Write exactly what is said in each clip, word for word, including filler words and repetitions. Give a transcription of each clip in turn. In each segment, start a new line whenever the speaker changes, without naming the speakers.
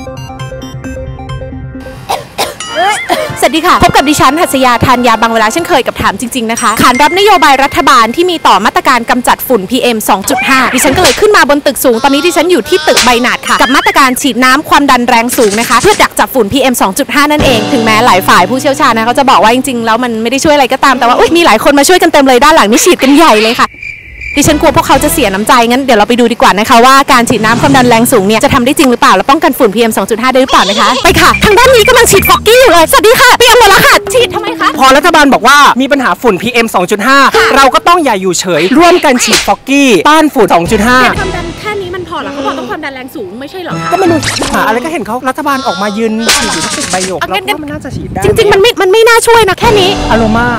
สวัสดีค่ะพบกับดิฉันหัสยาธัญญาบางเวลาเช่นเคยกับถามจริงๆนะคะขานรับนโยบายรัฐบาลที่มีต่อมาตรการกำจัดฝุ่น พี เอ็ม สองจุดห้า ดิฉันก็เลยขึ้นมาบนตึกสูงตอนนี้ดิฉันอยู่ที่ตึกใบหนาดค่ะกับมาตรการฉีดน้ำความดันแรงสูงนะคะเพื่อดักจับฝุ่น พี เอ็ม สองจุดห้า นั่นเองถึงแม้หลายฝ่ายผู้เชี่ยวชาญนะเขาจะบอกว่าจริงๆแล้วมันไม่ได้ช่วยอะไรก็ตามแต่ว่ามีหลายคนมาช่วยกันเต็มเลยด้านหลังนี่ฉีดกันใหญ่เลยค่ะดิฉันกลัวพวกเขาจะเสียน้ำใจงั้นเดี๋ยวเราไปดูดีกว่านะคะว่าการฉีดน้ำความดันแรงสูงเนี่ยจะทำได้จริงหรือเปล่าและป้องกันฝุ่น พี เอ็ม สองจุดห้า ได้หรือเปล่านะคะไปค่ะทางด้านนี้กำลังฉีดฟอกกี้อยู่เลยสวัสดีค่ะเตรียมหมดแล้วค่ะฉีดทำไมคะ
พอรัฐบาลบอกว่ามีปัญหาฝุ่น พี เอ็ม สองจุดห้า เราก็ต้องอย่าอยู่เฉยร่วมกันฉีดฟอกกี้ต้านฝุ่น สองจุดห้า
ความดันแค่นี้มันพอเหรอเขาบอกต้องความดันแรงสูงไม่ใช่เหรอคะ
ก็ไม่รู้หาอะไรก็เห็นเขารัฐบาลออกมายืนฉีดอยู่ที่ตึกใบหยกแล้วก็มันน่าจะฉีดได้
จริงๆมันไม่มันไม่น่าช่วยนะแค่นี้
อโรมา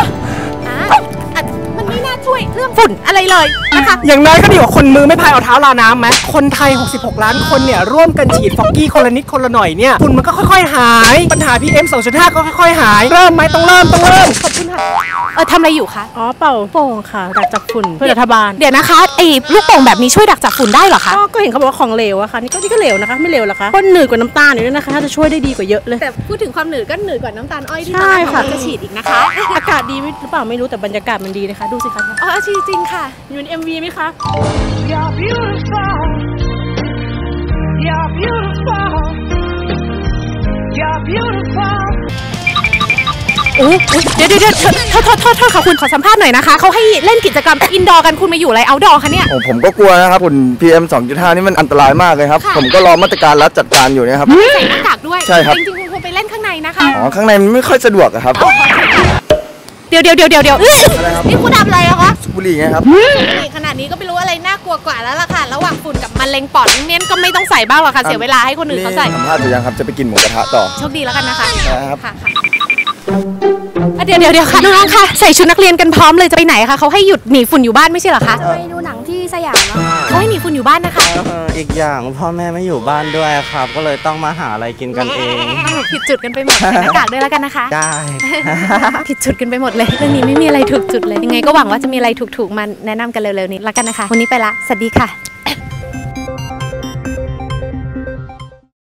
มันไม่น่าช่วยเรื่องฝุ่นอะไรเลยนะคะ
อย่างน้อยก็ดีกว่าคนมือไม่พายเอาเท้าลาน้ำไหมคนไทยหกสิบหกล้านคนเนี่ยร่วมกันฉีดฟอกกี้คนละนิดคนละหน่อยเนี่ยฝุ่นมันก็ค่อยๆหายปัญหา พี เอ็ม สองจุดห้า ก็ค่อยๆหายเริ่มไหมต้องเริ่มต้องเริ่ม
ขอบคุณค่ะเออทำอะไรอยู่คะ
อ๋อเป่าโป่งค่ะดักจับฝุ่นเพื่อรัฐบาล
เดี๋ยวนะคะไอ้ลูกโป่งแบบนี้ช่วยดักจับฝุ่นได้เหรอคะ
ก็เห็นเขาบอกว่าของเหลวอะค่ะนี่ก็นี่ก็เหลวนะคะไม่เหลวหรอคะก็หนืดกว่าน้ำตาลอยู่ด้วยนะคะถ้าจะช่วยได้ดีกว่าเยอะเลย
แต่พูดถึงความหนืดก็หนืดกว่าน้ำตาลอ้อยที่ตอนแรกจะฉีดอีกนะคะ
อากาศดีหรือเปล่าไม่รู้แต่บรรยากาศมันดีนะคะดูสิคะ
อ๋อจริงจริงค่ะ
อยู่ใน เอ็ม วี ไหมคะ
You're beautiful You're beautiful You're beautiful
โอ้เดี๋ยวเดี๋ยวเดี๋ยวโทษโทษโทษโทษค่ะคุณขอสัมภาษณ์หน่อยนะคะเขาให้เล่นกิจกรรมอินดอร์กันคุณมาอยู่อะไรเอาท์ดอร์คะเนี่ย
โอ้ผมก็กลัวนะครับฝุ่น พี เอ็ม สองจุดห้า นี่มันอันตรายมากเลยครับผมก็รอมาตรการรัฐจัดการอยู่เนี่ยครับ
ใส่หน้ากากด้วย
ใช่ครับ
จริงๆคุณควรไปเล่นข้างในนะคะ
อ๋อข้างในมันไม่ค่อยสะดวกครับ
เดี๋ยวเดี๋ยวเดี๋ยวเดี๋ยวเดี๋ยวนี่คุณทำอะไรอะคะ
บุหรี่ไงครับ
บุหรี่ขนาดนี้ก็ไม่รู้อะไรน่ากลัวกว่าแล้วล่ะค่ะระหว่างฝุ่นกับมะเร็งปอดเนี่ยก็ไม่ต้องใส่บ้างหรอกค่ะเสียเวลาให้คนอื่นเขาใส่
สัมภาษณ์อยู่ยังครับจะไปกินหมูกระทะต่อ
โชคดีแล้วกันนะคะ
ครับ
ค่ะเดี๋ยวเดี๋ยวเดี๋ยวค่ะน้องๆค่ะใส่ชุดนักเรียนกันพร้อมเลยจะไปไหนคะเขาให้หยุดหนีฝุ่นอยู่บ้านไม่ใช่เหรอคะ
จะไปดูหนังที่สยามแล้ว
เขาให้หนีฝุ่นอยู่บ้านนะคะ
อีกอย่างพ่อแม่ไม่อยู่บ้านด้วยครับก็เลยต้องมาหาอะไรกินกันเอง
ผิดจุดกันไปหมดใส่หน้ากากด้วยแล้วกันนะคะ
ได้
ผิดจุดกันไปหมดเลยเรื่องนี้ไม่มีอะไรถูกจุดเลยยังไงก็หวังว่าจะมีอะไรถูกๆมาแนะนำกันเร็วๆนี้แล้วกันนะคะวันนี้ไปละสวัสดีค่ะ